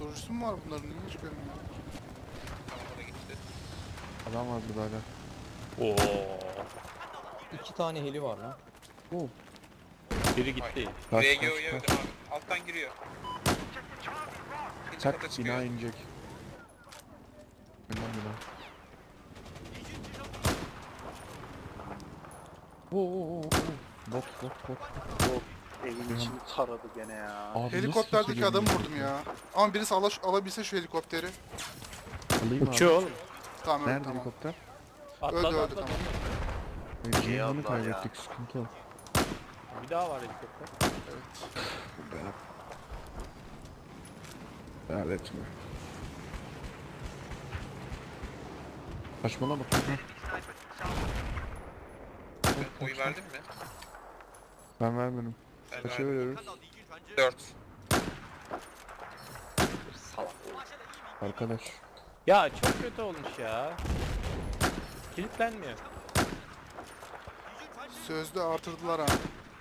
Motorcusu mu var bunların? Niye hiç görmüyorum? Tamam, o da gitti. Adam var burada hala. Oo. 2 tane heli var lan. Oo. Biri gitti. Kaç, RGO'ya kaç, öldüm abi. Alttan giriyor. İkinci kata Tak çıkıyor. bina inecek. Bina. Oo. Bot. Evin içini taradı gene ya. Abi nasıl Helikopterdeki kimse adamı görmüyor vurdum ki? ya. Ama birisi alabilse şu helikopteri. Alayım Uçuyor abi. oğlum. Tamam öldü Nerede tamam. helikopter? Atladı Öldü, atladı. tamam. Cihan'ı Allah ya. kaybettik, sıkıntı o. Bir daha var helikopter. Beğen etme. Saçmalama. Oy verdin mi? Ben vermedim. Ben Kaça verdim. veriyoruz? 4. Arkadaş. Ya çok kötü olmuş ya. Kilitlenmiyor. Sözde artırdılar ha.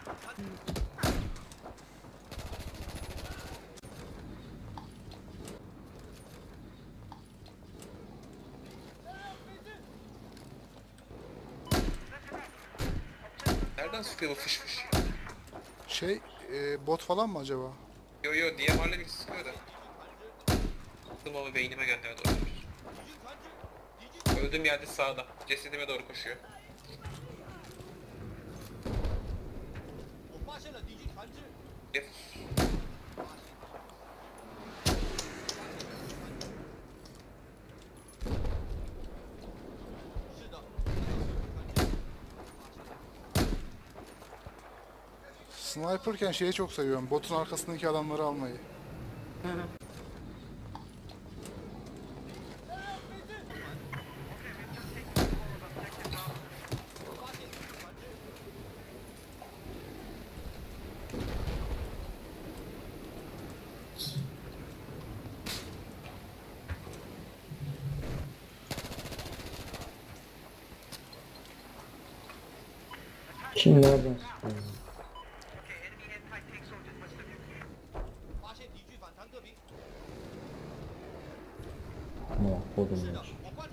Nereden sıkıyor bu fış fış ya? Şey, bot falan mı acaba? Yo DMR'la bir sıkıyor da. Sıktım ama beynime gönderdi olabilir. Öldüğüm yerde sağda. Cesedime doğru koşuyor. Gel. Sniper'ken şeyi çok seviyorum. Botun arkasındaki adamları almayı. Kim nereden sıkıyor? Kodumlar.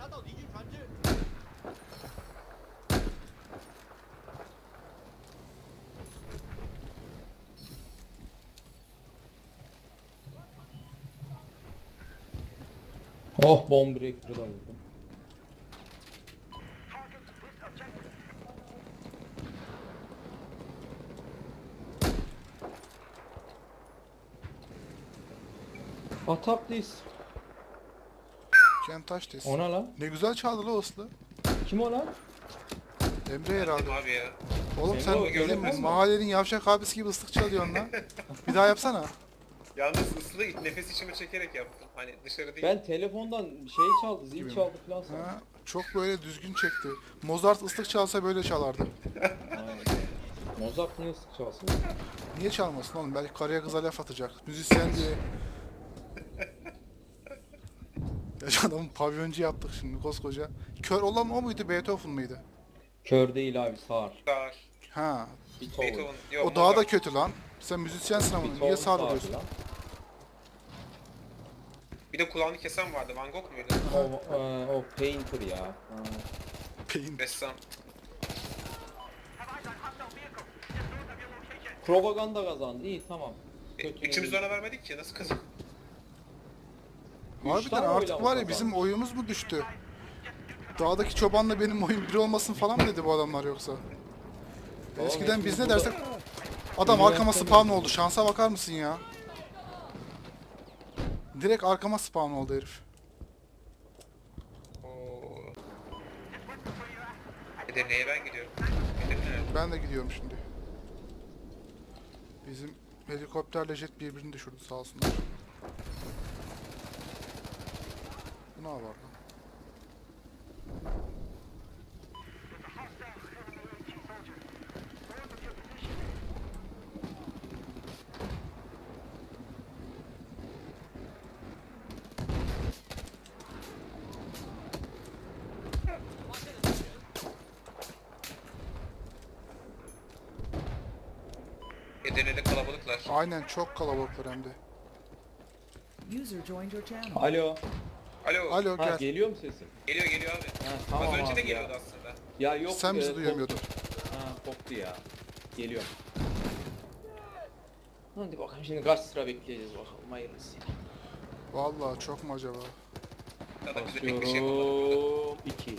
Oh bomb breaker'ı da vurdum. Atap this. Ken taş desin. Ona lan. Ne güzel çaldı la Oslu. Kim o lan? Emre herhalde. Dedim abi ya. Oğlum Emre sen o bizim görünmez mi? mahallenin yavşak abisi gibi ıslık çalıyorsun lan. Bir daha yapsana. Yalnız ıslı nefes içime çekerek yaptım. Hani dışarı değil. Ben telefondan şey çaldı, zil Gibi. çaldı falan sandım. Ha, çok böyle düzgün çekti. Mozart ıslık çalsa böyle çalardı. Aynen. Mozart niye sık çalsın? Niye çalmasın oğlum? Belki karıya kıza laf atacak. Müzisyen diye. Ya şu adamı pavyoncu yaptık şimdi koskoca. Kör olan o muydu? Beethoven mıydı? Kör değil abi, sağır. Sağır. Ha. Beethoven. Beethoven. Yok, O daha da Mozart. kötü lan. Sen müzisyensin ama Beethoven niye sağır sağırdı oluyorsun? lan. Bir de kulağını kesen vardı. Van Gogh muydu? O Painter ya. Ha. Peyin. Ressam. Propaganda kazandı. İyi tamam. Kötü Üçümüz de değil. ona vermedik ki. Nasıl kazan? Harbiden tane artık oyla mı var ya kazandı? bizim oyumuz mu düştü? Dağdaki çobanla benim oyun bir olmasın falan mı dedi bu adamlar yoksa? Eskiden biz ne dersek adam arkama spawn oldu. Şansa bakar mısın ya? Direkt arkama spawn oldu herif. Oo. Edirne'ye ben gidiyorum. Edirne. Ben de gidiyorum şimdi. Bizim helikopterle jet birbirini düşürdü sağ olsunlar. Bu ne var lan? Edirne'de kalabalıklar. Aynen çok kalabalıklar hem de. User joined your channel. Alo. Alo. Alo Ha gel. geliyor mu sesim? Geliyor abi. Ha tamam Az önce abi de ya. geliyordu aslında. Ya yok. Sen bizi duyamıyordun. koptu. Ha koptu ya. Geliyor. Hadi bakalım şimdi kaç sıra bekleyeceğiz bakalım hayırlısı. Vallahi çok mu acaba? Zaten bize pek bir şey yapamadık burada. Basıyorum 2.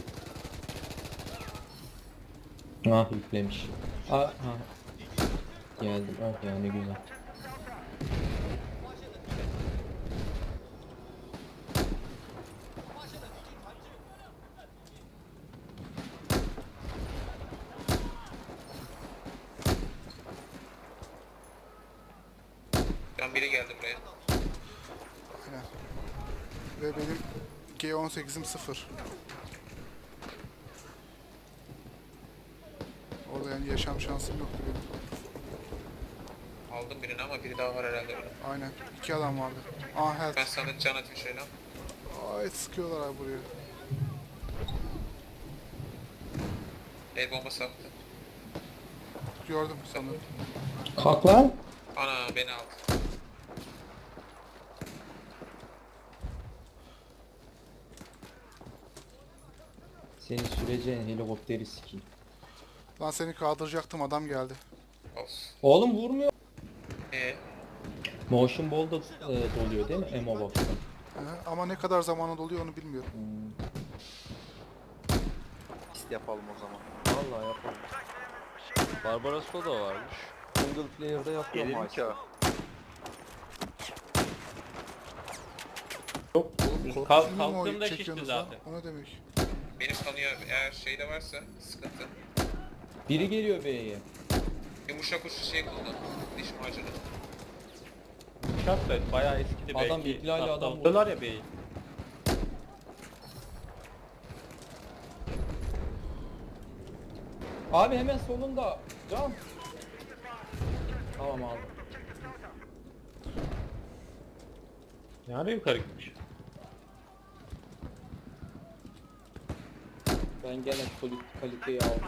Ah yüklemiş. Ah. Geldim. Oh ya ne güzel. Şu an biri geldi buraya. Aynen. Ve benim G18'im 0. Orada yani yaşam şansım yoktu benim. Aldım birini ama biri daha var herhalde orada. Aynen. 2 adam vardı. Ah Ben health. sana can atayım şöyle. Ay sıkıyorlar abi buraya. El bombası attı. Gördüm sanırım. Kalk lan. Ana beni aldı. Seni süreceğin helikopteri sikeyim. Lan seni kaldıracaktım adam geldi. Olsun. Oğlum vurmuyor. Motion Ball da doluyor değil mi? Emo box'ta. Ama ne kadar zamana doluyor onu bilmiyorum. Pist yapalım o zaman. Vallahi yapalım. Barbaros'ta da varmış. Single player'da yapıyorum Gelir mi ki o? Film mi Kalktığımda o şişti çekiyorsunuz lan? zaten. O ne demek? Benim kanıyor eğer şeyde varsa sıkıntı. Biri geliyor B'ye. Yumuşak uçlu şey kullan. Diş macunu. Uçak da bayağı eskidi belki. Adam ihlali adam Aldılar ya beyi. Abi hemen solunda. Can. Tamam aldım. Ne ara yukarı gitmiş? Ben gene kaliteyi aldım.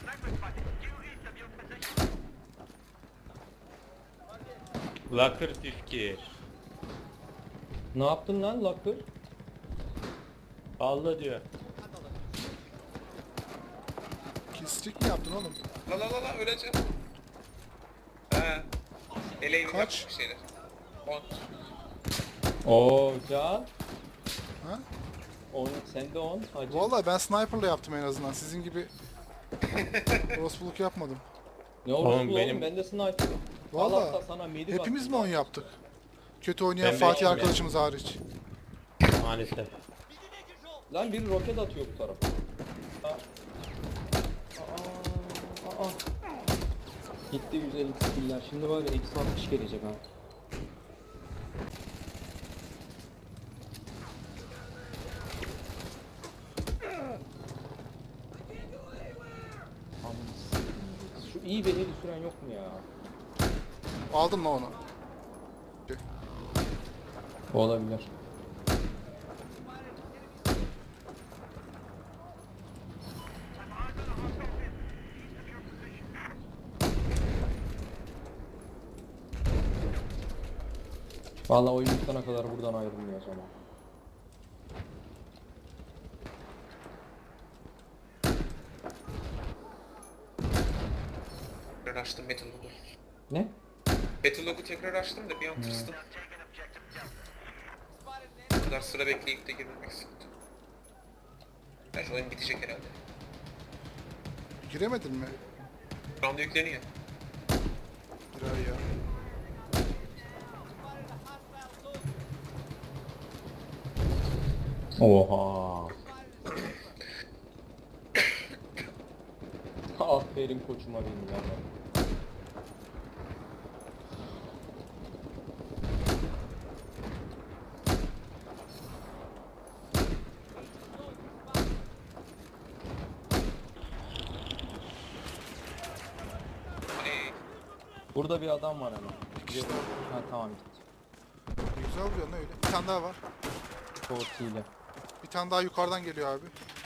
Locker Türkiye. Ne yaptın lan Locker? Vallahi diyor. Pislik mi yaptın oğlum? La öleceğim. He. Eleğim Kaç? yapmış bir şeyler. 10. Oo Can. Ha? 10 sen de 10 hacı. Vallahi ben sniper'la yaptım en azından. Sizin gibi orospuluk yapmadım. Ne olursa Oğlum oğlum benim- ben de sniper'ım. Vallahi Allah da sana medi hepimiz mi 10 yaptık? Kötü oynayan Ben Fatih beşim arkadaşımız hariç. Maalesef. Lan biri roket atıyor bu tarafa. Aa. Gitti 150 skiller. Şimdi var ya eksi 60 gelecek ha. Şu iyi bir heli süren yok mu ya? Aldım lan onu. Olabilir. Vallahi oyun bitene kadar buradan ayrılmıyoruz ama. Tekrar açtım Battlelog'u. Ne? Battlelog'u tekrar açtım da bir an tırstım. Bu kadar sıra bekleyip de girmemek sıkıntı. Bence oyun bitecek herhalde. Giremedin mi? Şu anda yükleniyor. Girer ya. Oha. Aferin koçuma benim ya. Hey, Burada bir adam var ama. İşte Ha tamam gitti. güzel oluyor ne öyle. Bir tane daha var. Tortiyle. Bir tane daha yukarıdan geliyor abi.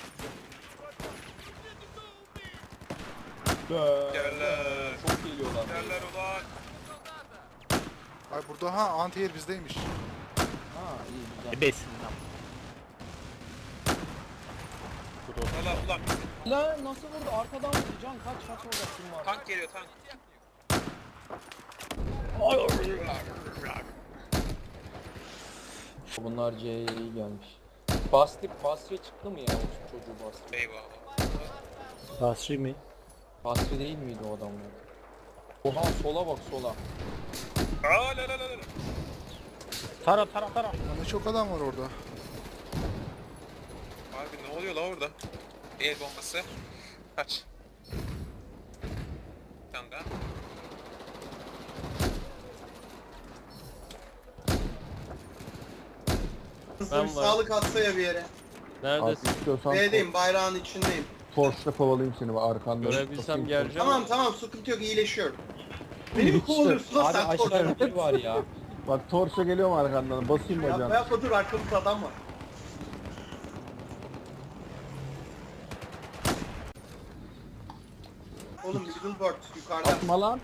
Yerler. Çok geliyorlar. Yerler ulan. Ay burada ha anti-air bizdeymiş. Ha Ebesinden. Valla ulan La nasıl vurdu? Arkadan vurdu. Can kaç orada kim var? tank geliyor tank. Bunlar C'ye iyi gelmiş. Basri çıktı mı ya o çocuğu Basri? Eyvallah. Basri mi? Basri değil miydi o adamlar? Oha sola bak sola. Aa la la la la. Tara. Ama çok adam var orada. Abi ne oluyor la orada? El bombası. Kaç. Bir tane daha. Ben var. Sağlık atsa ya bir yere. Abi Neredesin? istiyorsan B'deyim, bayrağın içindeyim. Torch'la kovalayayım seni arkanda. Görebilsem geleceğim. Tamam tamam, sıkıntı yok, iyileşiyorum. Beni mi kovalıyorsun lan Abi sen aşağıda torçla? bir var ya. Bak Torch'la geliyorum arkandan. Basayım Yapma bacağını. yapma, dur, arkamızda adam var. Oğlum Billboard yukarıda. Atma lan.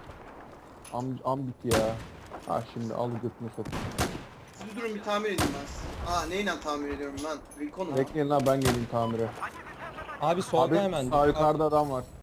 Am bitti ya. Ha şimdi al götünü satayım. Siz bir durun, bir tamir edeyim ben. Aa neyle tamir ediyorum lan? Recon mu? Bekleyin lan ben geleyim tamire. Abi solda Abi hemen. sağ yukarıda adam var.